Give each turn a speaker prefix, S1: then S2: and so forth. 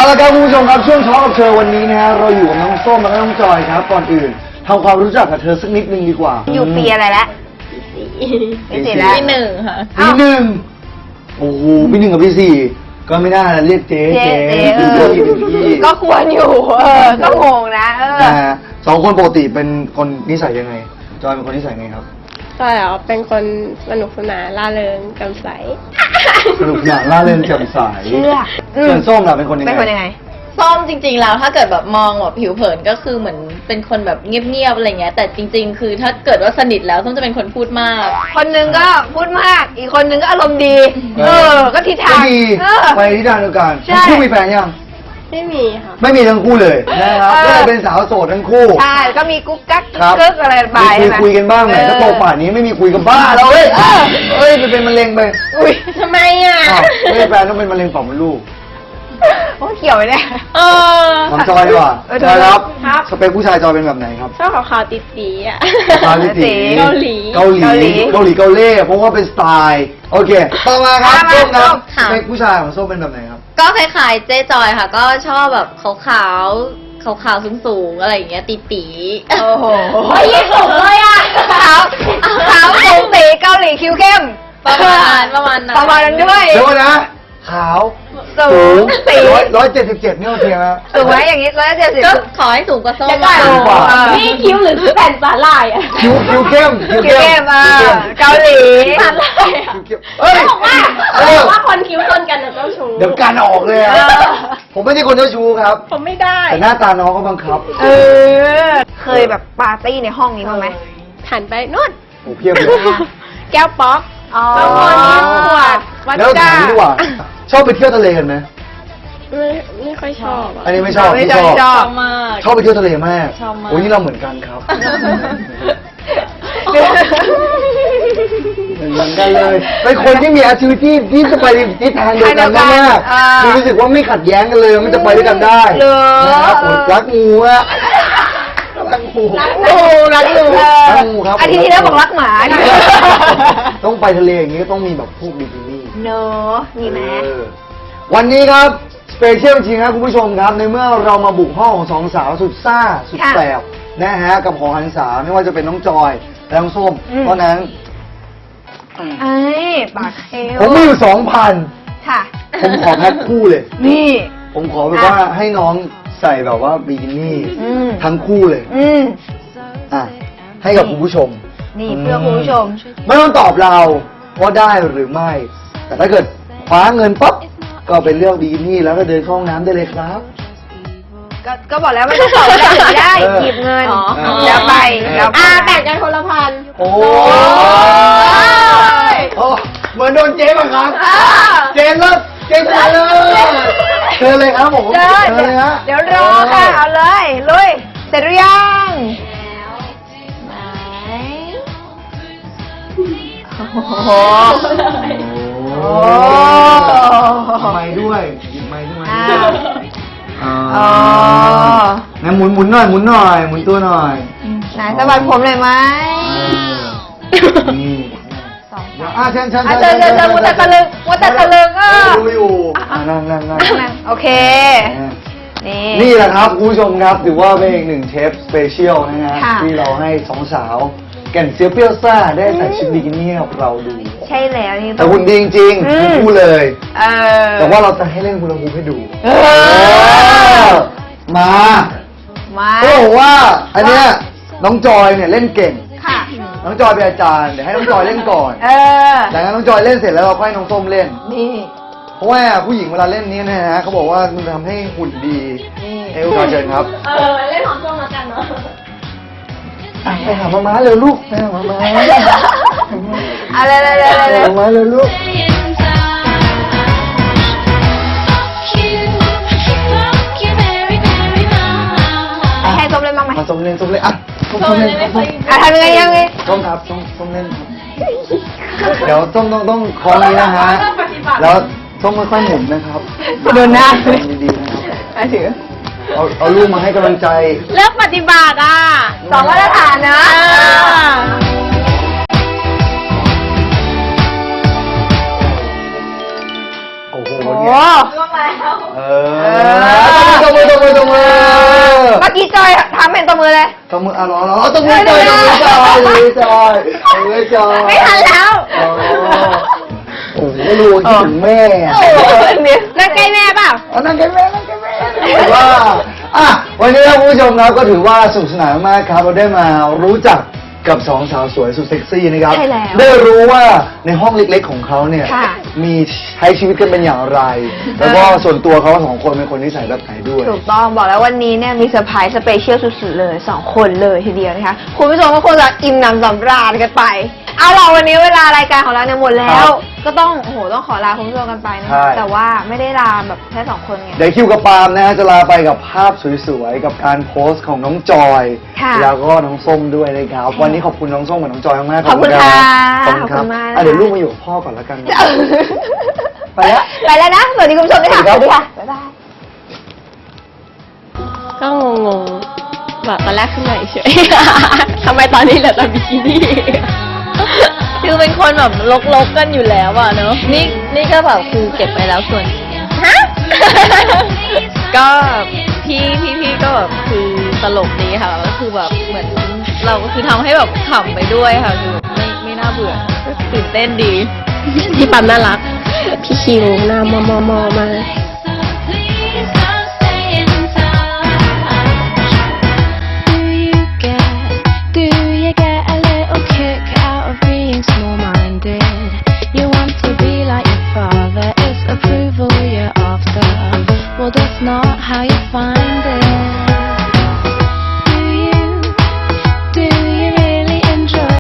S1: ละครับคุณผู้ชมครับช่วงช็อคกับเธอวันนี้นะฮะเราอยู่กับน้องส้มและน้องจอยครับก่อนอื่นทำความรู้จักกับเธอสักนิดนึงดีกว่า
S2: อยู่ปีอะไรแล้วปีสี่แล้ว
S3: ปีหนึ่งค่ะ
S1: ปีหนึ่งโอ้โหปีหนึ่งกับปีสี่ก็ไม่น่าเรียกเจ๊
S2: ก็ควรอยู่ก็งงนะ
S1: นะฮะสองคนปกติเป็นคนนิสัยยังไงจอยเป็นคนนิสัยไงครับ
S3: ใช่แล้วเป็นคนสนุกสนานร่าเริงแจ่มใส
S1: สนุกสนานร่าเริงแจ่มใสส่วนส้มล่ะเป็นคนยังไง
S4: ส้มจริงๆแล้วถ้าเกิดแบบมองแบบผิวเผินก็คือเหมือนเป็นคนแบบเงียบๆอะไรเงี้ยแต่จริงๆคือถ้าเกิดว่าสนิทแล้วส้มจะเป็นคนพูดมาก
S2: คนนึงก็พูดมากอีกคนนึงก็อารมณ์ดีก็ทิศทาง
S1: ไปทิศทางเดียวกันทั้งคู่มีแฟนยัง
S3: ไม่มีค่ะ
S1: ไม่มีทั้งคู่เลยนะครับก็เลยเป็นสาวโสดทั้งคู่
S2: ใช่ก็มีกุ๊กกั๊กกึ๊กอะไรไป
S1: คุยกันบ้างไหมถ้าโตป่านนี้ไม่มีคุยกันบ้าแล้วเฮ้ยมันเป็นมะเร็งไป
S2: อุ้ยทำไมอ่ะ
S1: ไม่แฟนต้องเป็นมะเร็งปอดมดลูก
S2: โอ้เขียวไปเนี่ย
S1: ทำจอยดีกว่าจอยครับสเปคผู้ชายจอยเป็นแบบไหนครับ
S3: ชอบขาวๆติดสีอ่ะ
S1: ขาวติดสี
S3: เกาหลี
S1: เกาหลีเพราะว่าเป็นสไตล์โอเคต่อมาครับส้มครับสเปคผู้ชายของส้มเป็นแบบไหนครับ
S4: ก็คล้ายๆเจ๊จอยค่ะก็ชอบแบบขาวสูงๆอะไรอย่างเงี้ยตี
S2: โอ้โห
S4: ยิ่งสูงเลยอ่ะ
S2: ขาวสูงตีเกาหลีคิ้วเข้ม
S4: ประมาณนั้น
S2: ด้วย
S1: เดี๋ยวนะขาวสูง177นี่โอเคไหม
S2: สูงไหมอย่างนี้170
S4: ก็ขอให้สูงกว่าส้ม
S3: นี่คิ้วหรือแผ่นสาหร่ายอ่ะ
S1: คิ้วเข้ม
S2: เกาหลี
S3: สาหร่ายว่าคนคิ้วคนกันเจ้าชู้
S1: เดี๋ยวการออกเลยอ่ะผมไม่ใช่คนเจ้าชู้ครับ
S3: ผมไม่ได้
S1: แต่หน้าตาน้องก็บังคับ
S2: เคยแบบปาร์ตี้ในห้องนี้บ้างไหม
S3: หันไปนู่น
S1: โอ้เพียบเลย
S3: แก้วป๊อกบางคนขวดวัดก้า
S1: ดีกว่าชอบไปเที่ยวทะเลกันไหม
S3: ไม่ค่อยชอบ
S1: อันนี้ไม่ชอบ
S4: มาก
S1: ชอบไปเที่ยวทะเลมากโอ้ยนี่เราเหมือนกันครับเหมือนกันเลยเป็นคนที่มีแอคทิวิตี้ที่จะไปทิศทางเดียวกันมากคือรู้สึกว่าไม่ขัดแย้งกันเลยมันจะไปด้วยกันได้นะครับรักงูอะรักงูครับ
S2: อาทิตย์ที่แล้วบอกรักหมา
S1: ต้องไปทะเลอย่างนี้ก็ต้องมีแบบพวกบิกินี่
S2: เนอะมีไหม
S1: วันนี้ครับสเปเชียลจริงครับคุณผู้ชมครับในเมื่อเรามาบุกห้องของสองสาวสุดซ่าสุดแสบนะฮะกับของหันษาไม่ว่าจะเป็นน้องจอยและน้องส้มเพราะนั้น
S2: ปากเอว
S1: ผมมีอยู่ 2,000
S2: ค่ะ
S1: ผมขอแพ็คคู่เลย
S2: นี่
S1: ผมขอแบบว่าให้น้องใส่แบบว่าบิกินี่ทั้งคู่เลยให้กับคุณผู้ชม
S2: นี่เพื่อคุณผู้ชม
S1: ไม่ต้องตอบเราว่าได้หรือไม่แต่ถ้าเกิดคว้าเงินปั๊บก็เป็นเรื่องบิกินี่แล้วก็เดินเข้าห้องน้ำได้เลยครับ
S2: ก็บอกแล้วไม่ต้องตอบได้หยิบเงินแล้วไป
S3: แบ่งกันคนละพัน
S1: โอ้เหมือนโดนเจ๊บังคับเจ๊เลิกเจ๊มาเลยเชิญเลยครับผมเชิญเลยฮะ
S2: เดี๋ยวรอค่ะเอาเลยลุยเสร็จหรือยังโอ้
S1: ไม้ด้วยหยิบไม้ด้วยงั้นหมุนหน่อยหมุนตัวหน่อย
S2: ไหนสะบัดผมเลยไหม
S1: นี่เชิญ
S2: มัวแต่ตะลึง
S1: ดูอยู่นั่ง
S2: โอเค
S1: นี่แหละครับคุณผู้ชมครับถือว่าเป็นอีกหนึ่งเทปสเปเชียลนะฮะที่เราให้สองสาวแก่นเซียวเปรี้ยวซ่าได้ใส่ชุดบิกินี่เราดู
S2: ใช่แล้วนี่
S1: แต่หุ่นดีจริงๆพูดเลยแต่ว่าเราจะให้เล่นฮูลาฮูปให้ดูมาก็บอกว่าอันเนี้ยน้องจอยเนี่ยเล่นเก่งน้องจอยเป็นอาจารย์เดี๋ยวให้น้องจอยเล่นก่อนจากนั้นน้องจอยเล่นเสร็จแล้วเราค่อยน้องส้มเล่น
S2: นี่
S1: เพราะว่าผู้หญิงเวลาเล่นนี้นะฮะเขาบอกว่ามันทำให้หุ่นดีเอวกาเชิญครับ
S3: เล่นของส้มแล้วกันเนาะ
S1: ไปหามาม้าเร็วลูกไปหามาม้า
S2: อะไร
S1: มาม้าเร็วลูก
S2: ให้ส้มเล่นบ้างไหม
S1: ส้มเล่นอ่ะส้มเล่น
S2: ทำยังไง
S1: ส้มครับส้มเล่นเดี๋ยวส้มต้องคล้องนี้นะฮะแล้วส้มค่อยๆหมุนนะครับ
S2: โดนหน้า
S1: ดีๆนะครับ
S2: ถือ
S1: เอาลูกมาให้กำลังใจ
S3: เลิกปฏิบัติ
S2: 2 มาตรฐานนะ
S1: โอ้โห
S2: ล่วงแล้ว
S1: ต้องมือรอต้องมือจอย
S2: ไม่ทันแล้ว
S1: โอ้โหไม่รู้คิดถึงแม่อะ
S2: นั่งใกล้แม่เปล่า
S1: นั่งกันแม่ว่าวันนี้ครับคุณผู้ชมครับก็ถือว่าสนุกสนานมากครับเราได้มารู้จักกับสองสาวสวยสุดเซ็กซี่นะครับ
S2: ใช่แล้ว
S1: ได้รู้ว่าในห้องเล็กๆของเขาเนี่ย
S2: ค่ะ
S1: มีใช้ชีวิตกันเป็นอย่างไร แล้วก็ส่วนตัวเขาสองคนเป็นคนนิสัยแบบไหนด้วย
S2: ถูกต้องบอกแล้ววันนี้เนี่ยมีเซอร์ไพรส์สเปเชียลสุดๆเลย2 คนเลยทีเดียวนะคะคุณผู้ชมก็คงจะอิ่มหนำสำราญกันไป เอาล่ะวันนี้เวลารายการของเราเนี่ยหมดแล้
S1: ครั
S2: ว
S1: บ
S2: ก็ต้องต้องขอลาคุณผู้ชมกันไปนะ
S1: ใช่
S2: แต่ว่าไม่ได้ลาแบบแค่2 คนไง
S1: เดี๋ยวคิวกับปาล์มนะฮะจะลาไปกับภาพสวยๆกับการโพสต์ของน้องจอย
S2: ค่ะ
S1: แล้วก็น้องส้มด้วยนะครับ วันนี้ขอบคุณน้องส้มกับน้องจอยมากๆ
S2: ขอบคุณ
S1: รั
S2: ค่ะ
S1: ขอบคุณครับ
S2: ขอบคุณมากนะคะ
S1: เดี๋ยวลูกมาอยู่กับพ่อก่อนแล้วกันนะไปแล้ว
S2: ไปแล้วนะสวัสดีคุณผู้ชมด้วยค่ะ
S1: สวัสดีครับ
S2: บ๊ายบาย
S3: ก็งงๆแบบตอนแรกขึ้นมาเฉย ทำไมตอนนี้เหลือแต่บิกินี่
S4: คือเป็นคนแบบลกๆกันอยู่แล้วอ่ะเนอะนี่ก็แบบคือเก็บไปแล้วส่วนฮะ ก็พี่ก็แบบคือตลกดีค่ะก็คือแบบเหมือนเราก็คือทำให้แบบขำไปด้วยค่ะคือแบบไม่น่าเบื่อก็ตื่นเต้นดี
S3: พี่ปั๊มน่ารัก พี่คิวหน้ามอมาก